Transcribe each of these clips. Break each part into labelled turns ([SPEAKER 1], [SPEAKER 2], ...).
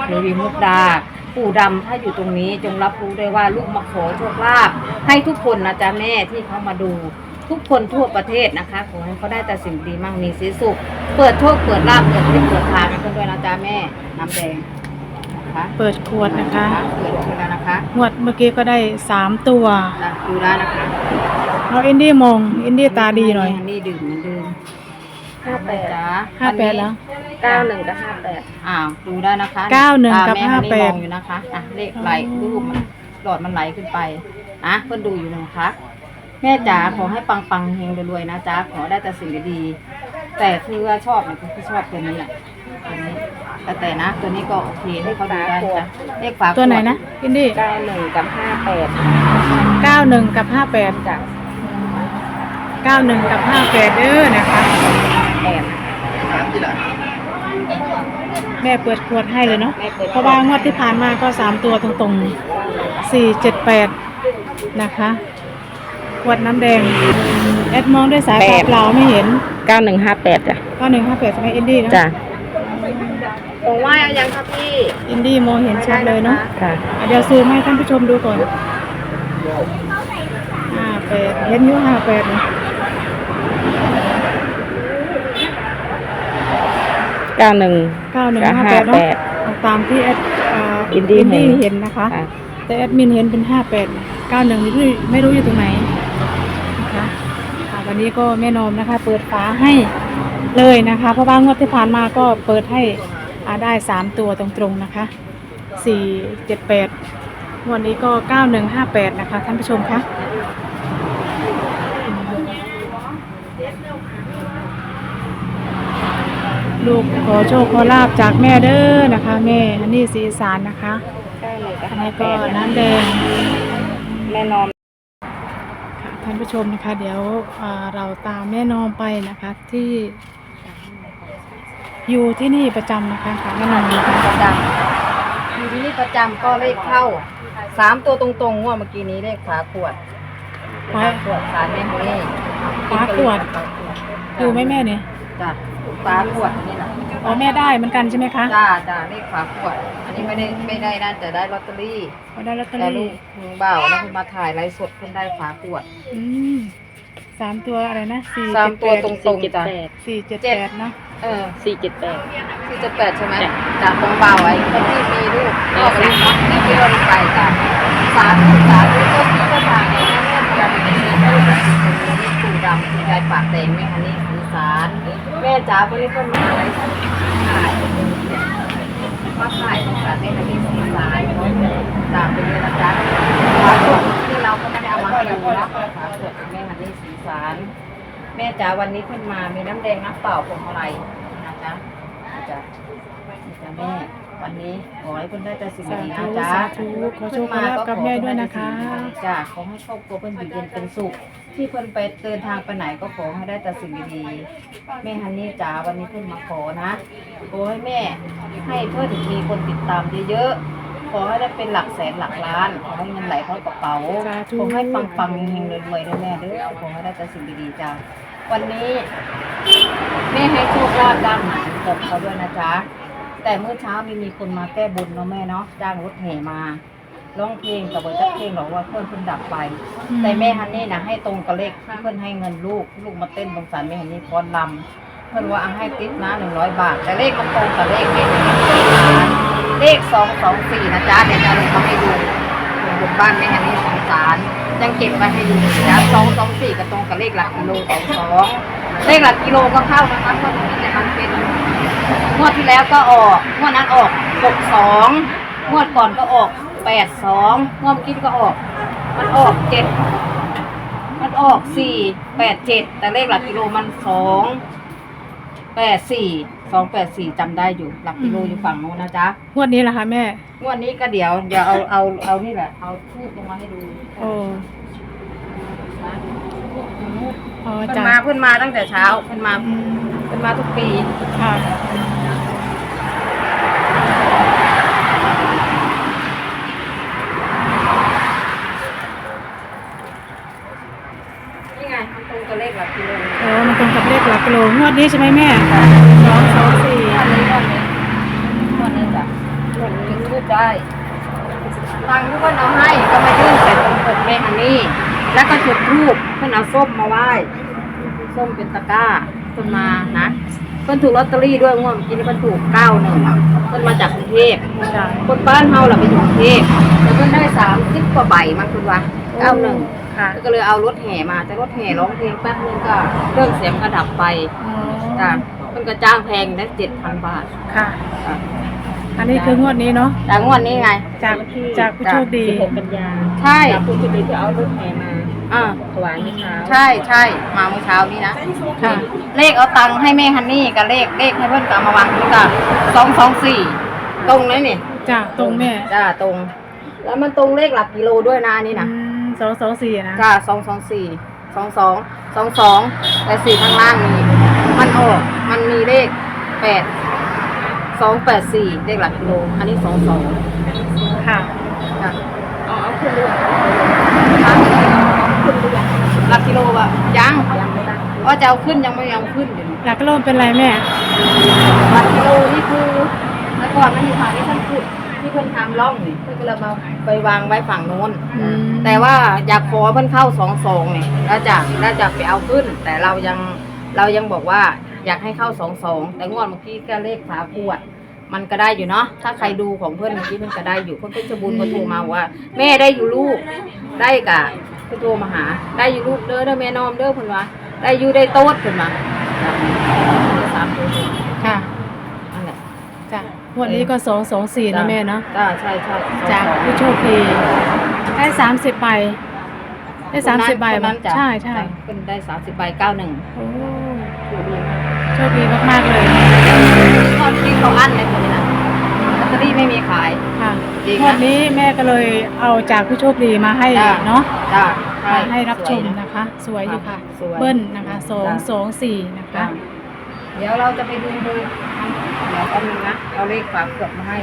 [SPEAKER 1] เทวีมุกดาปู่ดำถ้าอยู่ตรงนี้จงรับรู้ได้ว่าลูกมาขอโชคลาภให้ทุกคนนะจ๊ะแม่ที่เขามาดูทุกคนทั่วประเทศนะคะขอให้เขาได้แต่สิ่งดีมั่งมีสีสุขเปิดโชคเปิดลาภเปิดทิพย์เปิดทางให้คนด้วยนะจ๊ะแม่น้ำแดงนะคะ
[SPEAKER 2] เปิดขวดนะคะ
[SPEAKER 1] เปิดขวดแล้วนะคะ
[SPEAKER 2] งวดเมื่อกี้ก็ได้3 ตัว
[SPEAKER 1] ดูได้นะคะ
[SPEAKER 2] เราอินดี้มองอินดี้ตาดีหน่อย
[SPEAKER 1] อันนี้ดื่มเหมือนเดิม58จ้า
[SPEAKER 2] 58แล้ว
[SPEAKER 1] 91กับ58ดูได้นะคะ
[SPEAKER 2] 91กับ58
[SPEAKER 1] อยู่นะคะเลขไหลรูปหลอดมันไหลขึ้นไปเพิ่นดูอยู่นะคะแม่จ๋าขอให้ปังๆเฮงรวยๆนะจ๊ะขอได้แต่สิ่งดีๆแต่คือว่าชอบเนี่ยคือชอบตัวนี้แหละตัวนี้แต่นะตัวนี้ก็โอเคให้เขาดูได้จ้ะเลขฝา
[SPEAKER 2] ตัวไหนนะอินดี้
[SPEAKER 1] 91กับ
[SPEAKER 2] 91กับ58
[SPEAKER 1] จ้ะ
[SPEAKER 2] 91กับ58นะคะแม่เปิดขวดให้เลยเนาะเพราะว่างวดที่ผ่านมาก็3 ตัวตรงๆ478นะคะขวดน้ำแดงแอดมองด้วยสายตาเปล่าไม่เห็น
[SPEAKER 1] 9158จ้ะ
[SPEAKER 2] 9158ใช่ไหมอินดี้เนาะ
[SPEAKER 1] จ้ะผมว่ายังครับพี่
[SPEAKER 2] อินดี้มองเห็นชัดเลยเนาะ
[SPEAKER 1] ค่ะ
[SPEAKER 2] เดี๋ยวซูมให้ท่านผู้ชมดูก่อน58เห็นอยู่58เนี่ย
[SPEAKER 1] 9158เนาะ
[SPEAKER 2] ตามที่แอด
[SPEAKER 1] อินดี้
[SPEAKER 2] เห็นนะคะแต่แอดมินเห็นเป็น58 91นี่ไม่รู้อยู่ตรงไหนนะคะวันนี้ก็แม่นอมนะคะเปิดฝาให้เลยนะคะเพราะว่างวดที่ผ่านมาก็เปิดให้ได้3 ตัวตรงๆนะคะ478วันนี้ก็9158นะคะท่านผู้ชมคะลูกขอโชคขอลาบจากแม่เด้อนะคะแม่ฮันนี่ศรีอีสานนะคะอันนี้ก็น้ำแดง
[SPEAKER 1] แม่นอม
[SPEAKER 2] ท่านผู้ชมนะคะเดี๋ยวเราตามแม่นอมไปนะคะที่อยู่ที่นี่ประจำนะคะแม่นอม
[SPEAKER 1] ประจำอยู่ที่นี่ประจำก็เลขเข้า3 ตัวตรงๆว่าเมื่อกี้นี้เลขฝาขวดสารแม่ฮันนี่
[SPEAKER 2] ฝาขวดดูไหมแม่เนี่ย
[SPEAKER 1] จ้ะฝาขวดนี่แหละ
[SPEAKER 2] แม่ได้เหมือนกันใช่ไหมคะ
[SPEAKER 1] จ้าเลขฝาขวดอันนี้ไม่ได้นั่นแต่ได้ลอตเตอรี่
[SPEAKER 2] ได้ลอตเตอรี่
[SPEAKER 1] ลุงบ่าวแล้วคุณมาถ่ายไลฟ์สดคุณได้ฝาขวด
[SPEAKER 2] 3 ตัวอะไรนะ
[SPEAKER 1] 3 ตัวตรงๆจ้ะ
[SPEAKER 2] 478เนาะ
[SPEAKER 1] 478ใช่ไหมจ้ะของบ่าวไอ้คนที่มีลูกก็เป็นน้องที่เราไปจ้ะสาธุก็ที่ทางนี้จะเป็นปู่ดำคุณยายปากแดงแม่ฮันนี่อีสานแม่จ๋าบริคนมาอะไรมาถ่ายของสารแม่ฮันนี่อีสานตามไปเลยนะจ๊ะฝาขวดที่เราก็ไม่ได้เอามาให้ดูนะฝาขวดแม่ฮันนี่อีสานแม่จ๋าวันนี้ขึ้นมามีน้ำแดงน้ำเปล่าผงอะไรนะจ๊ะแม่วันนี้ขอให้คุณได้แต่สิ่งดีนะจ๊ะ
[SPEAKER 2] ขอโชคลาภกับแม่ด้วยนะคะ
[SPEAKER 1] จ้ะขอให้ครอบครัวเพิ่นอยู่เย็นเป็นสุขที่เพิ่นไปเดินทางไปไหนก็ขอให้ได้แต่สิ่งดีๆแม่ฮันนี่จ๋าวันนี้เพิ่นมาขอนะขอให้แม่ให้เพิ่นมีคนติดตามเยอะๆขอให้ได้เป็นหลักแสนหลักล้านขอให้เงินไหลเข้ากระเป๋าขอให้ปังๆเฮงๆรวยๆด้วยแม่เด้อขอให้ได้แต่สิ่งดีๆจ้ะวันนี้แม่ให้โชคลาภดังกับเขาด้วยนะจ๊ะแต่เมื่อเช้ามีคนมาแก้บนเนาะแม่เนาะจ้างรถแห่มาร้องเพลงกับว่าจะเพลงหรอกว่าเพื่อนดับไปแต่แม่ฮันนี่นะให้ตรงกับเลขที่เพื่อนให้เงินลูกมาเต้นตรงสารแม่ฮันนี่ฟ้อนลำเพื่อนว่าให้ติ๊บนะ100 บาทแต่เลขมันตรงกับเลขแม่ฮันนี่เลข224นะจ๊ะเดี๋ยวจะลงมาให้ดูบนบ้านแม่ฮันนี่สงสารยังเก็บไว้ให้ดูนะ224กับตรงกับเลขหลักกิโล22เลขหลักกิโลก็เข้านะคะเพราะนี่จะมันเป็นงวดที่แล้วก็ออกงวดนั้นออก62งวดก่อนก็ออก82งวดคิดก็ออกมันออก7มันออก487แต่เลขหลักกิโลมัน284จำได้อยู่หลักกิโลอยู่ฝั่งโน้นนะจ๊ะ
[SPEAKER 2] งวดนี้ล่ะคะแม่
[SPEAKER 1] งวดนี้ก็เดี๋ยวเอานี่แหละเอาทูบลงมาให้ดูเพิ่นมาตั้งแต่เช้าเพิ่นมาทุกปี
[SPEAKER 2] ค่ะ
[SPEAKER 1] นี่ไงมันตรงกับเลขหลักกิโล
[SPEAKER 2] มันตรงกับเลขหลักกิโลงวดนี้ใช่ไหมแม่224
[SPEAKER 1] งวดนี้จ้ะงวดนี้ใช่ตังค์ที่เพิ่นเอาให้ก็มายื่นใส่ตรงปกแม่ฮันนี่แล้วก็จุดธูปเพิ่นเอาส้มมาไหว้ส้มเป็นตะกร้าเพิ่นมานะเพิ่นถูกลอตเตอรี่ด้วยงวดเมื่อกี้นี่เพิ่นถูก91เพิ่นมาจากกรุงเทพ
[SPEAKER 2] จ้ะ
[SPEAKER 1] คนบ้านเฮาล่ะไปอยู่กรุงเทพแล้วเพิ่นได้30กว่าใบมั้งคุณวะ91
[SPEAKER 2] ค่ะ
[SPEAKER 1] ก็เลยเอารถแห่มาแต่รถแห่ร้องเพลงแป๊บนึงก็เครื่องเสียงก็ดับไป
[SPEAKER 2] อ๋อ
[SPEAKER 1] จ้ะเพิ่นก็จ้างแพงได้7,000 บาท
[SPEAKER 2] ค่ะ
[SPEAKER 1] จ้ะ
[SPEAKER 2] อันนี้คืองวดนี้เนาะ
[SPEAKER 1] แต่งวดนี้ไง
[SPEAKER 2] จากผู้โชคดี
[SPEAKER 3] 16 กันยา
[SPEAKER 1] ใช่
[SPEAKER 3] จากผู้โชคดีที่เอารถแห่มา
[SPEAKER 1] อ่า
[SPEAKER 3] ถวายเมื่อเช้า
[SPEAKER 1] ใช่ใช่มาเมื่อเช้านี้นะ
[SPEAKER 2] ค่ะ
[SPEAKER 1] เลขเอาตังค์ให้แม่ฮันนี่กับเลขให้เพิ่นก็เอามาวางนี่ก็224ตรงเลยนี่
[SPEAKER 2] จ้ะตรงแม่
[SPEAKER 1] จ้าตรง แล้วมันตรงเลขหลักกิโลด้วยนะนี่นะ
[SPEAKER 2] 224นะ
[SPEAKER 1] จ้า224 22แต่4ข้างล่างนี้มันออกมันมีเลข8284เลขหลักกิโลอันนี้22
[SPEAKER 2] ค่ะ
[SPEAKER 1] จ้ะ
[SPEAKER 3] เอาขึ้นด้วย
[SPEAKER 1] หลักกิโลอะยัง
[SPEAKER 3] ยังไม่ได้
[SPEAKER 1] ว่าจะเอาขึ้นยังไม่ยังขึ้นอยู่
[SPEAKER 2] หลักโลเป็นไรแม่
[SPEAKER 1] หลักกิโลนี่คือแล้วก่อนมันอยู่ฝั่งที่ท่านขุดที่เพิ่นทำร่องนี่เพิ่นก็เลยมาไปวางไว้ฝั่งโน้น
[SPEAKER 2] อืม
[SPEAKER 1] แต่ว่าอยากขอเพิ่นเข้า22นี่แล้วจะไปเอาขึ้น แต่เรายังบอกว่าอยากให้เข้า22แต่งวดเมื่อกี้ก็เลขฝาขวด มันก็ได้อยู่เนาะถ้าใครดูของเพื่อนเมื่อกี้มันก็ได้อยู่คนเพชรบูรณ์ก็โทรมาว่า แม่ได้อยู่ลูกได้กะก็โทรมาหา ได้อยู่ลูกเด้อแม่นอมเด้อเพิ่นว่าได้อยู่ได้โต๊ดเพิ่นว่าสามตัว
[SPEAKER 2] ค่ะ
[SPEAKER 1] นั่นแหละ
[SPEAKER 2] จ้ะงวดนี้ก็224นะแม่เนาะ
[SPEAKER 1] จ้าใช่ใช่
[SPEAKER 2] จากผู้โชคดีได้30ใบได้30ใบ
[SPEAKER 1] คนนั้นจ้ะ
[SPEAKER 2] ใช่ใช่
[SPEAKER 1] เป็นได้30ใบ91
[SPEAKER 2] โอ้โชคดีมากๆเลย
[SPEAKER 1] ตอนที่เขาอั้นเลยคนนี้นะลอตเตอรี่ไม่มีขาย
[SPEAKER 2] ค่ะ
[SPEAKER 1] จริงนะ
[SPEAKER 2] งวดนี้แม่ก็เลยเอาจากผู้โชคดีมาให้
[SPEAKER 1] จ้ะ
[SPEAKER 2] เนาะ
[SPEAKER 1] จ้าใช่
[SPEAKER 2] มาให้รับชม
[SPEAKER 1] สวย
[SPEAKER 2] นะคะ สวยอยู่ค่ะ
[SPEAKER 1] สวย
[SPEAKER 2] เบิ้ลนะคะ224นะคะ
[SPEAKER 1] เดี๋ยวเราจะไปดูเดี๋ยวแป๊บนึงนะเอาเลขฝาเกือบมาให้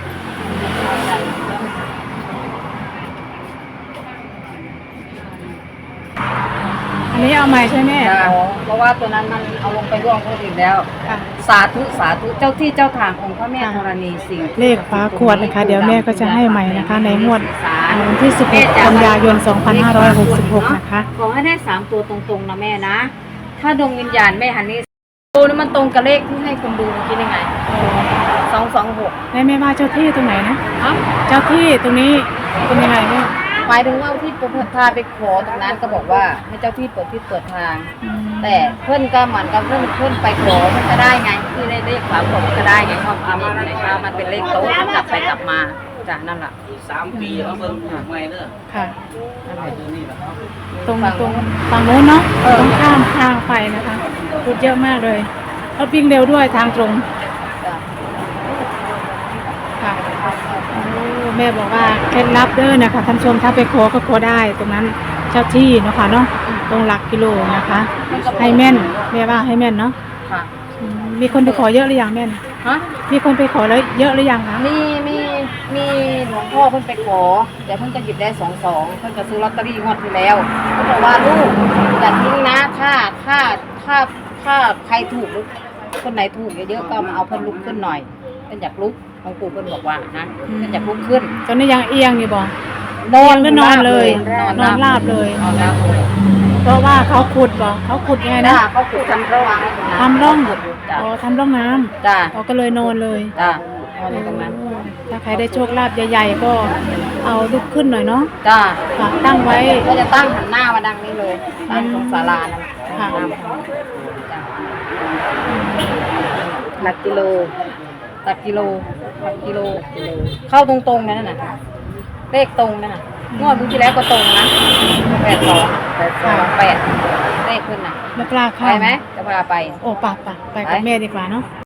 [SPEAKER 2] อันนี้เอาใหม่ใช่ไหม
[SPEAKER 1] เพราะว่าตัวนั้นมันเอาลงไปร่วงคนอื่นแล้ว
[SPEAKER 2] ค่ะ
[SPEAKER 1] สาธุสาธุเจ้าที่เจ้าทางองค์พระแม่ธรณีสิ่ง
[SPEAKER 2] เลขฝาขวดนะคะ เดี๋ยวแม่ก็จะให้ใหม่นะคะ ในงวด
[SPEAKER 1] สา
[SPEAKER 2] วันที่16กันยายน2566นะคะ
[SPEAKER 1] ขอให้ได้3ตัวตรงๆนะแม่นะ ถ้าดวงวิญญาณแม่ฮันนี่ตัวนั้นมันตรงกับเลขที่ให้คนดูเมื่อกี้ยังไง226
[SPEAKER 2] แม่ว่าเจ้าที่ตรงไหนนะ
[SPEAKER 1] เอ้า
[SPEAKER 2] เจ้าที่ตรงนี้เป็นยังไงแม่
[SPEAKER 1] หมายถึงว่าที่พาไปขอตรงนั้นก็บอกว่าให้เจ้าที่เปิดที่เปิดทาง
[SPEAKER 2] อืม
[SPEAKER 1] แต่เพื่อนก็เหมือนกับเพื่อนไปขอมันก็ได้ไงที่ได้เลขฝาขวดมันก็ได้ไงความจริงนะคะมันเป็นเลขโต๊ะมันกลับไปกลับมาจ้ะนั่นแหละ
[SPEAKER 4] 3 ปีแล้วเบิ่งถูกไหมเด้อ
[SPEAKER 2] ค่ะ
[SPEAKER 1] นั่นแหละ
[SPEAKER 4] นี่แหละครับ
[SPEAKER 2] ตรงฝั่งโน้นเนาะต้องข้ามทางไปนะคะรถเยอะมากเลยรถวิ่งเร็วด้วยทางตรง
[SPEAKER 1] จ้ะ
[SPEAKER 2] ค่ะโอ้แม่บอกว่าเคล็ดลับเด้อนะคะท่านผู้ชมถ้าไปขอก็ขอได้ ตรงนั้นเจ้าที่เนาะค่ะเนาะตรงหลักกิโลนะคะ ให้แม่นแม่ว่าให้แม่นเนาะ
[SPEAKER 1] ค่ะ
[SPEAKER 2] อืมมีคนไปขอเยอะหรือยังแม่น
[SPEAKER 1] ฮะ
[SPEAKER 2] มีคนไปขอแล้วเยอะหรือยังคะ
[SPEAKER 1] มีหลวงพ่อเพิ่นไปขอแต่เพิ่นก็หยิบได้22เพิ่นก็ซื้อลอตเตอรี่งวดที่แล้วเพิ่นบอกว่าลูกอย่าทิ้งนะถ้าใครถูกหรือคนไหนถูกเยอะๆก็มาเอาเพิ่นลุกขึ้นหน่อยเพิ่นอยากลุกของปู่เพิ่นบอกว่านะเพิ่นอยากลุกขึ้น
[SPEAKER 2] ตอนนี้ยังเอียงอยู่บ่
[SPEAKER 1] นอน
[SPEAKER 2] ก็นอนเลย
[SPEAKER 1] นอนราบเลย
[SPEAKER 2] เพราะว่าเขาขุดบ่เขาขุดยังไง
[SPEAKER 1] นะ
[SPEAKER 2] นะ
[SPEAKER 1] เขาขุดทำระหว่าง
[SPEAKER 2] ทำร่อง
[SPEAKER 1] จ้ะ
[SPEAKER 2] อ๋อทำร่องน้ำ
[SPEAKER 1] จ้า
[SPEAKER 2] อ๋อก็เลยนอนเลย
[SPEAKER 1] จ้านอนอยู่ตรงนั้น
[SPEAKER 2] ถ้าใครได้โชคลาภใหญ่ๆก็เอาลุกขึ้นหน่อยเนาะ
[SPEAKER 1] จ้า
[SPEAKER 2] ค่ะตั้งไว้
[SPEAKER 1] ก็จะตั้งหันหน้ามาดังนี้เลยตั้งตรงศาลานั่น
[SPEAKER 2] ค่ะ
[SPEAKER 1] จ้ะหลักกิโลหลักกิโลเข้าตรงๆนั่นน่ะเลขตรงนั่นน่ะงวดเมื่อกี้แล้วก็ตรงนะ82เลขขึ้นน่ะ
[SPEAKER 2] ไม่กล้า
[SPEAKER 1] ไป
[SPEAKER 2] เข้า
[SPEAKER 1] ไหมจะพาไป
[SPEAKER 2] โอ้ป่ะไปกับแม่ดีกว่าเนาะ